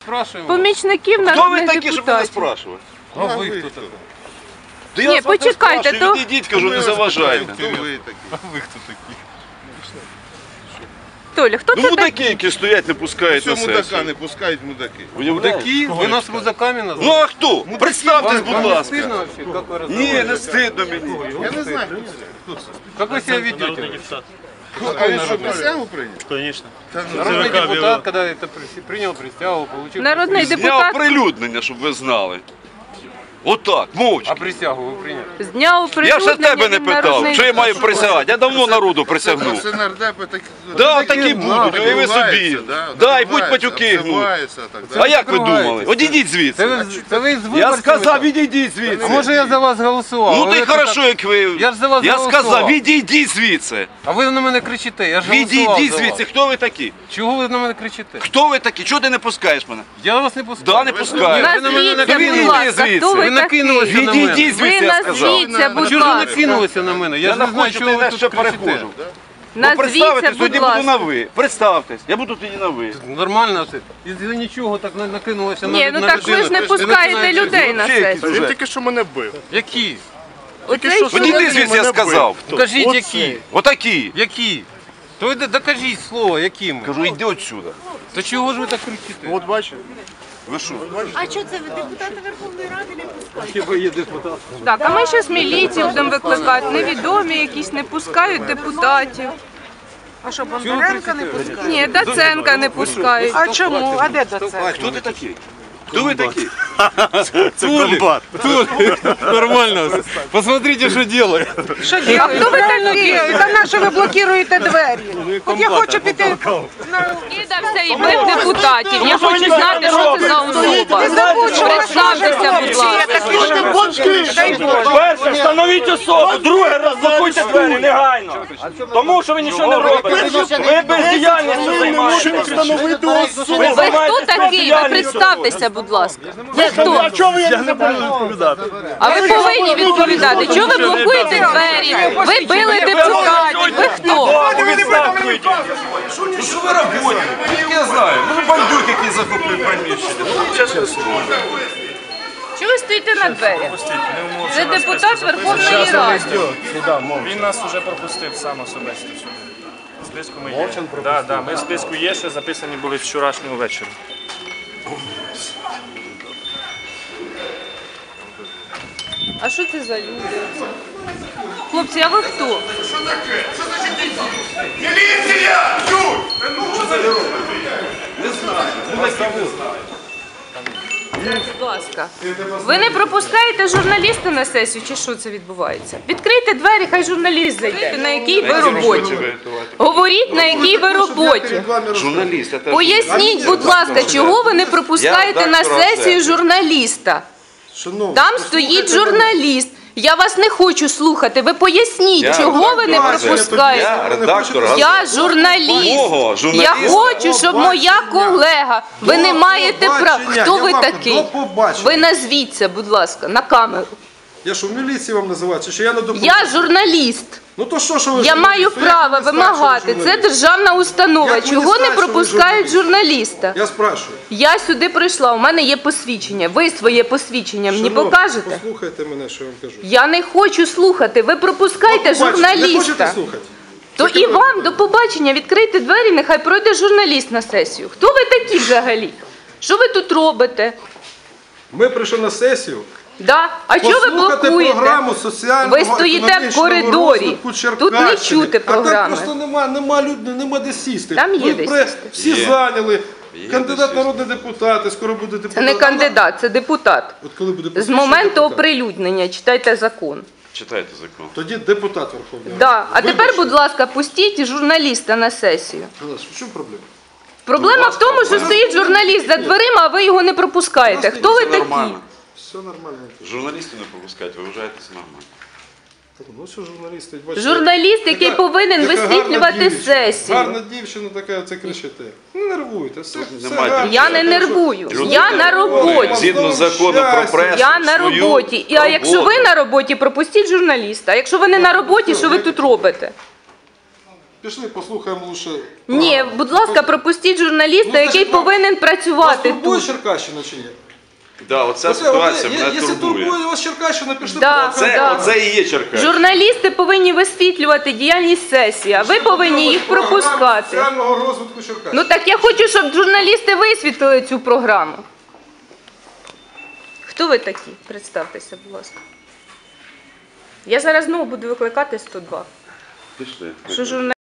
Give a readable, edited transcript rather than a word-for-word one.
спрашиваем. помічників Хто ви народних такі, щоб мене депутатів. спрашувати? А вы кто такой? Да Ні, я вас не почекайте, спрашиваю, то- відійдіть, кажу, не заважайте. Кто вы такие? Толя, хто Ну це мудаки, такий? які стоять, не пускають на Все мудака сесію. не пускають мудаки. Мудаки? Вы нас мудаками Ну назвали? а хто? Представтесь, будь Вам не ласка. стыдно вообще, как вы Ні, разговариваете? не стидно мені. Я не знаю, Как вы себя ведете? а він що, присягу прийняв? Конечно. Народный депутат, когда это принял присягу, получил... Народний Зняв депутат прилюднення, щоб ви знали. Отак, мовчки. А присягу вы приняли? зняв Я ж прилюднення, тебе не він питав, народний що я маю депутат. присягати. Я давно народу присягнув. Це нардепи такі. Да, такі будуть, і ви собі. Да, і будь патюки гнуть. А як ви думали? Одійдіть звідси. Це ви з Я виборцями сказав, так? відійдіть А звідси. може я за вас голосував? Ну А то й ви хорошо, так- як ви. Я ж за вас Я голосував. сказав, відійдіть звідси. А ви на мене кричите, я ж голосував Відійдіть за звідси. вас. Хто ви такі? Чого ви на мене кричите? Хто ви такі? Чого ти не пускаєш мене? Я вас не пускаю. Да, не пускаю. Ви на мене Назвіться, Відійдіть будь ласка, звідси. хто Ви ви накинулися такий? на мене. Відійдіть Ви звідси, я сказав. назвіться, будь Чого ж ви ласка. накинулися на мене? Я Я ж не не знаю, хочу, чого ти ви на тут що кричите. перехожу. Ну, Назвіться, представтесь, будь тоді буду на ласка. ви. Представтесь, я буду тоді на ви. Нормально все. Із-за нічого так накинулося Ні, на ну так ви ж не людину. пускаєте людей на Взагалі якийсь сесію. уже. Тільки що мене бив. Які? Оцей Відійди чоловік. звідси, я сказав. Покажіть, які. Отакі. Які? То ви докажіть слово, якими. Кажу, йди отсюда. То чого ж ви так кричите? От бачите? Ви що? А що це ви депутати Верховної Ради не пускають? Так, а ми зараз міліцію будемо викликати. Невідомі якісь не пускають депутатів. А що, Бондаренка не пускають? Ні, Даценка не пускають. А чому? А де це? Хто ти такий? Хто ви такі? Це комбат. Нормально. Посмотрите, що делает. Що робите? А хто ви такі? Та на що ви блокуєте двері? От я хочу піти на... Кидався і бив депутатів. Я хочу знати, що це за особа. Представтеся, будь ласка. Дай Боже. Перше, встановіть особу, друге, розблокуйте двері негайно. Тому що ви нічого не робите. Ви бездіяльністю займаєтеся. Ви хто такий? Ви представтеся, будь ласка. Ви хто? Я не буду відповідати. А ви повинні відповідати. Чого ви блокуєте двері? Ви били депутатів. Ви хто? Що ви робите? Я знаю. Ну бандюк, який захопив приміщення. Ну чесне слово. Чого ви стоїте на дверях? Це депутат Верховної Ради. Він нас вже пропустив сам особисто сюди. В списку ми є. Да, ми в списку є, ще записані були вчорашнього вечора. А що це за люди? Хлопці, а ви хто? Міліція! Будь ласка. Ви не пропускаєте журналіста на сесію, чи що це відбувається? Відкрийте двері, хай журналіст зайде. На якій ви роботі? Говоріть, на якій ви роботі. Журналіст, це Поясніть, будь ласка, чого ви не пропускаєте на сесію журналіста? Там стоїть журналіст. Я вас не хочу слухати. Ви поясніть, чого ви не пропускаєте. Я редактор. Я журналіст. Мого Я хочу, щоб моя колега. Ви не маєте права. Хто ви такий? Ви назвіться, будь ласка, на камеру. Я що, в міліції вам називати? Чи я не допомогу? Я журналіст. Ну то що ви... Я маю право вимагати. Це державна установа. Як ви не Чого не знаєте, що ви пропускають журналіста? Я спрашиваю. Я сюди прийшла, у мене є посвідчення. Ви своє посвідчення мені Шановні, покажете? Послухайте мене, що я вам кажу. Я не хочу слухати. Ви пропускайте Не хочете журналіста. слухати? То і вам до побачення. Відкрийте двері, нехай пройде журналіст на сесію. Хто ви такі взагалі? Що ви тут робите? Ми прийшли на сесію. Да? А чого ви Послухати блокуєте? програму соціального Ви стоїте в економічного коридорі. розвитку Тут не Черкащини. чути А там програми. просто нема людей, нема де сісти. Там є Ви де при- сісти. Всі Є. зайняли. Є Кандидат де народний депутат, і скоро буде депутат. Це не кандидат, це депутат. От коли буде З посвідчений моменту депутат, оприлюднення читайте закон. Читайте закон. Тоді депутат Верховної Ради. Да. А тепер, Вибачте. будь ласка, пустіть журналіста на сесію. Галас, в чому проблема? Проблема в тому, що стоїть журналіст за дверима, а ви його не пропускаєте. Хто ви Це такі? нормально. Все нормально. Журналістів не пропускають, ви вважаєте це нормально. Ну все, журналісти. бачите, Журналіст, який така- повинен така висвітлювати гарна дівчина. сесію. Гарна дівчина така, це кричите. Не нервуйте, все немає гарно. Я не нервую. Я на роботі. Згідно закону про пресу. Я на роботі. А якщо ви на роботі, пропустіть журналіста. А якщо ви не на роботі, що ви тут робите? Пішли, послухаємо лучше. Ні, будь ласка, пропустіть журналіста, який повинен працювати Турбує тут. Черкащина чи ні? Да, оця ситуація мене Якщо турбує. турбує вас Черкащина, пішли Да. поговоримо. Оце і є Черкащина. Журналісти повинні висвітлювати діяльність сесії, а ви повинні їх пропускати. Соціального розвитку Черкащини. Ну так я хочу, щоб журналісти висвітлили цю програму. Хто ви такі? Представтеся, будь ласка. Я зараз знову буду викликати 102. Пішли. Що журналісти